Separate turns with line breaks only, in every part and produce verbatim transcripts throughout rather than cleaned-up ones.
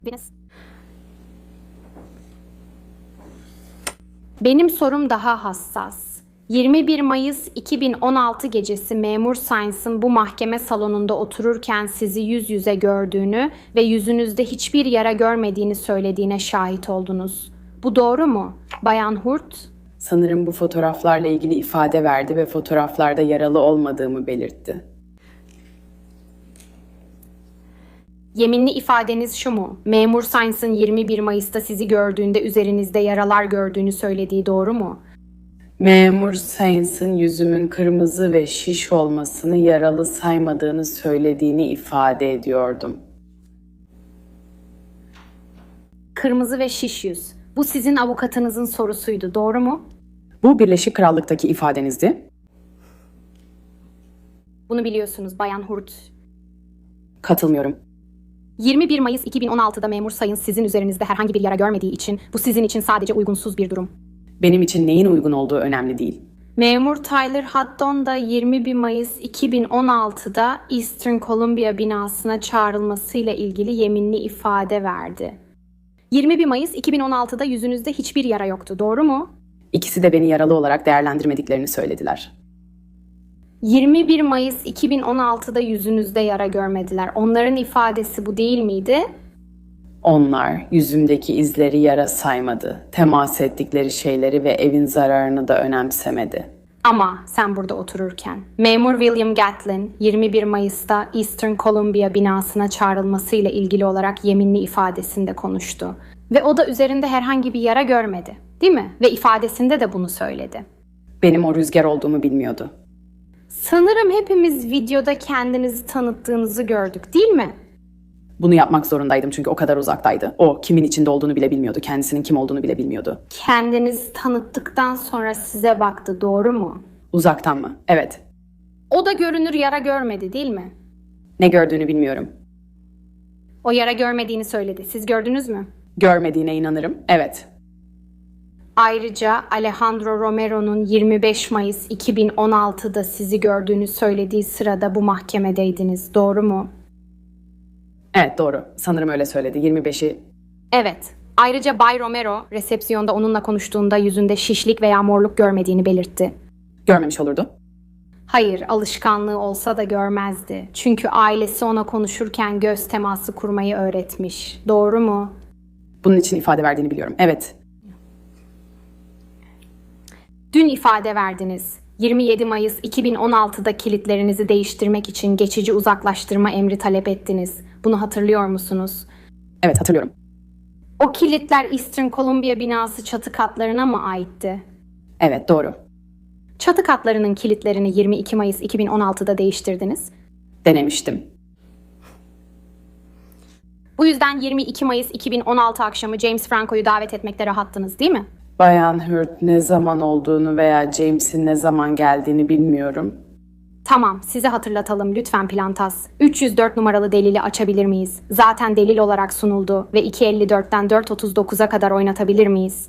Venüs. Benim sorum daha hassas. yirmi bir Mayıs iki bin on altı gecesi memur Sainz'ın bu mahkeme salonunda otururken sizi yüz yüze gördüğünü ve yüzünüzde hiçbir yara görmediğini söylediğine şahit oldunuz. Bu doğru mu, Bayan Hurt?
Sanırım bu fotoğraflarla ilgili ifade verdi ve fotoğraflarda yaralı olmadığımı belirtti.
Yeminli ifadeniz şu mu? Memur Sainz'ın yirmi bir Mayıs'ta sizi gördüğünde üzerinizde yaralar gördüğünü söylediği doğru mu?
Memur Sainz'ın yüzümün kırmızı ve şiş olmasını yaralı saymadığını söylediğini ifade ediyordum.
Kırmızı ve şiş yüz. Bu sizin avukatınızın sorusuydu, doğru mu?
Bu Birleşik Krallık'taki ifadenizdi.
Bunu biliyorsunuz Bayan Hurt.
Katılmıyorum.
yirmi bir Mayıs iki bin on altıda memur Sainz sizin üzerinizde herhangi bir yara görmediği için bu sizin için sadece uygunsuz bir durum.
Benim için neyin uygun olduğu önemli değil.
Memur Tyler Haddon da yirmi bir Mayıs iki bin on altıda Eastern Columbia binasına çağrılmasıyla ilgili yeminli ifade verdi. yirmi bir Mayıs iki bin on altıda yüzünüzde hiçbir yara yoktu, doğru mu?
İkisi de beni yaralı olarak değerlendirmediklerini söylediler.
yirmi bir Mayıs iki bin on altıda yüzünüzde yara görmediler. Onların ifadesi bu değil miydi?
Onlar yüzümdeki izleri yara saymadı. Temas ettikleri şeyleri ve evin zararını da önemsemedi.
Ama sen burada otururken memur William Gatlin yirmi bir Mayıs'ta Eastern Columbia binasına çağrılmasıyla ilgili olarak yeminli ifadesinde konuştu. Ve o da üzerinde herhangi bir yara görmedi, değil mi? Ve ifadesinde de bunu söyledi.
Benim o rüzgar olduğumu bilmiyordu.
Sanırım hepimiz videoda kendinizi tanıttığınızı gördük, değil mi?
Bunu yapmak zorundaydım çünkü o kadar uzaktaydı. O kimin içinde olduğunu bile bilmiyordu. Kendisinin kim olduğunu bile bilmiyordu.
Kendinizi tanıttıktan sonra size baktı, doğru mu?
Uzaktan mı? Evet.
O da görünür yara görmedi, değil mi?
Ne gördüğünü bilmiyorum.
O yara görmediğini söyledi. Siz gördünüz mü?
Görmediğine inanırım. Evet.
Ayrıca Alejandro Romero'nun yirmi beş Mayıs iki bin on altıda sizi gördüğünü söylediği sırada bu mahkemedeydiniz, doğru mu?
Evet, doğru. Sanırım öyle söyledi. yirmi beşi.
Evet. Ayrıca Bay Romero resepsiyonda onunla konuştuğunda yüzünde şişlik veya morluk görmediğini belirtti.
Görmemiş olurdu.
Hayır, alışkanlığı olsa da görmezdi. Çünkü ailesi ona konuşurken göz teması kurmayı öğretmiş. Doğru mu?
Bunun için ifade verdiğini biliyorum. Evet.
Dün ifade verdiniz. yirmi yedi Mayıs iki bin on altıda kilitlerinizi değiştirmek için geçici uzaklaştırma emri talep ettiniz. Bunu hatırlıyor musunuz?
Evet, hatırlıyorum.
O kilitler Eastern Columbia binası çatı katlarına mı aitti?
Evet, doğru.
Çatı katlarının kilitlerini yirmi iki Mayıs iki bin on altıda değiştirdiniz.
Denemiştim.
Bu yüzden yirmi iki Mayıs iki bin on altı akşamı James Franco'yu davet etmekte rahattınız, değil mi?
Bayan Hurt ne zaman olduğunu veya James'in ne zaman geldiğini bilmiyorum.
Tamam, size hatırlatalım lütfen Plantas. üç yüz dört numaralı delili açabilir miyiz? Zaten delil olarak sunuldu ve iki elli dörtten dört otuz dokuza kadar oynatabilir miyiz?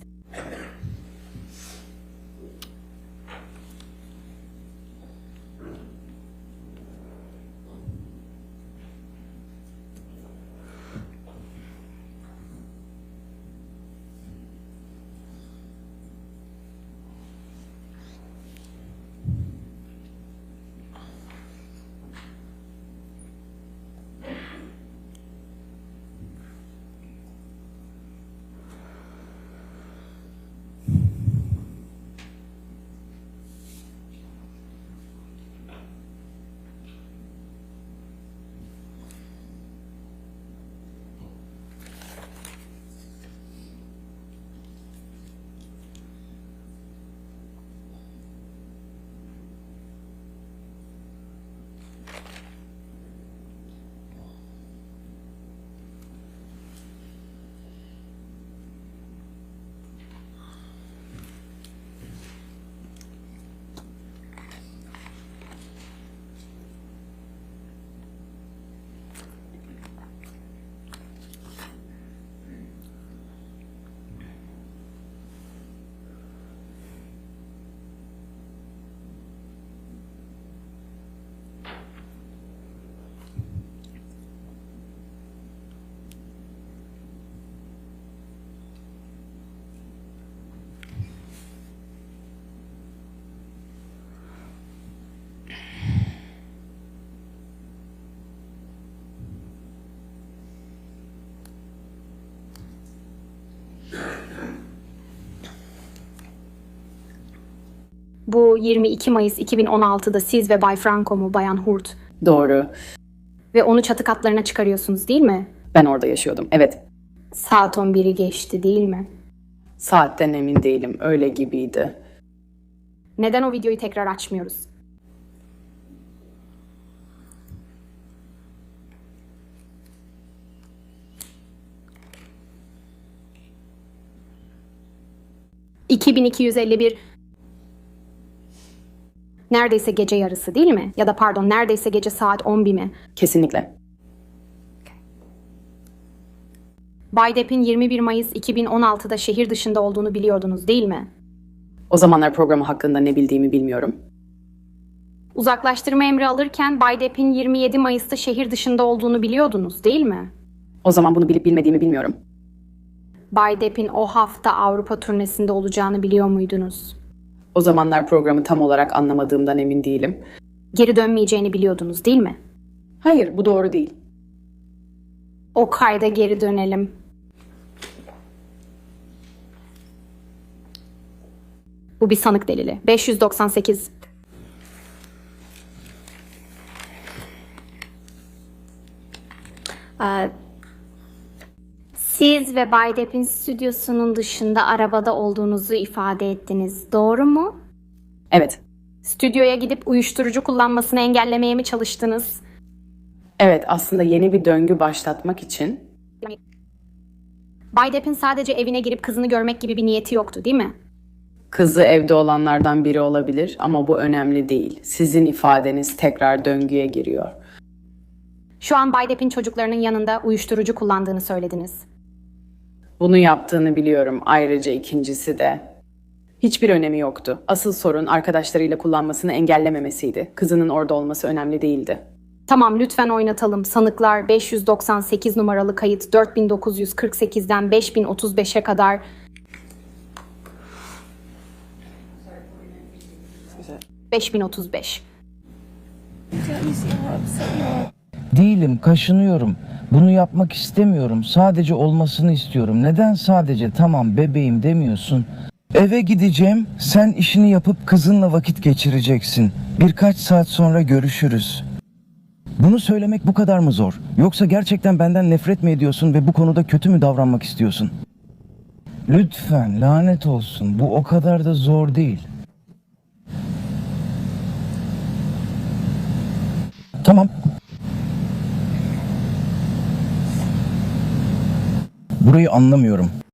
Bu yirmi iki Mayıs iki bin on altıda siz ve Bay Franco mu, Bayan Hurt?
Doğru.
Ve onu çatı katlarına çıkarıyorsunuz değil mi?
Ben orada yaşıyordum. Evet.
Saat on biri geçti değil mi?
Saatten emin değilim. Öyle gibiydi.
Neden o videoyu tekrar açmıyoruz? iki bin iki yüz elli bir neredeyse gece yarısı değil mi? Ya da pardon, neredeyse gece saat on bir mi?
Kesinlikle.
Bay Depp'in yirmi bir Mayıs iki bin on altıda şehir dışında olduğunu biliyordunuz değil mi?
O zamanlar programı hakkında ne bildiğimi bilmiyorum.
Uzaklaştırma emri alırken Bay Depp'in yirmi yedi Mayıs'ta şehir dışında olduğunu biliyordunuz değil mi?
O zaman bunu bilip bilmediğimi bilmiyorum.
Bay Depp'in o hafta Avrupa turnesinde olacağını biliyor muydunuz?
O zamanlar programı tam olarak anlamadığımdan emin değilim.
Geri dönmeyeceğini biliyordunuz değil mi?
Hayır, bu doğru değil.
O kayda geri dönelim. Bu bir sanık delili. beş yüz doksan sekiz. Ee, Siz ve Bay Depp'in stüdyosunun dışında arabada olduğunuzu ifade ettiniz. Doğru mu?
Evet.
Stüdyoya gidip uyuşturucu kullanmasını engellemeye mi çalıştınız?
Evet, aslında yeni bir döngü başlatmak için.
Bay Depp'in sadece evine girip kızını görmek gibi bir niyeti yoktu, değil mi?
Kızı evde olanlardan biri olabilir ama bu önemli değil. Sizin ifadeniz tekrar döngüye giriyor.
Şu an Bay Depp'in çocuklarının yanında uyuşturucu kullandığını söylediniz.
Bunu yaptığını biliyorum. Ayrıca ikincisi de. Hiçbir önemi yoktu. Asıl sorun arkadaşlarıyla kullanmasını engellememesiydi. Kızının orada olması önemli değildi.
Tamam, lütfen oynatalım. Sanıklar beş yüz doksan sekiz numaralı kayıt dört bin dokuz yüz kırk sekizden beş bin otuz beşe kadar beş bin otuz beş.
Değilim, kaşınıyorum. Bunu yapmak istemiyorum. Sadece olmasını istiyorum. Neden sadece tamam bebeğim demiyorsun? Eve gideceğim. Sen işini yapıp kızınla vakit geçireceksin. Birkaç saat sonra görüşürüz. Bunu söylemek bu kadar mı zor? Yoksa gerçekten benden nefret mi ediyorsun ve bu konuda kötü mü davranmak istiyorsun? Lütfen, lanet olsun. Bu o kadar da zor değil. Tamam. Burayı anlamıyorum.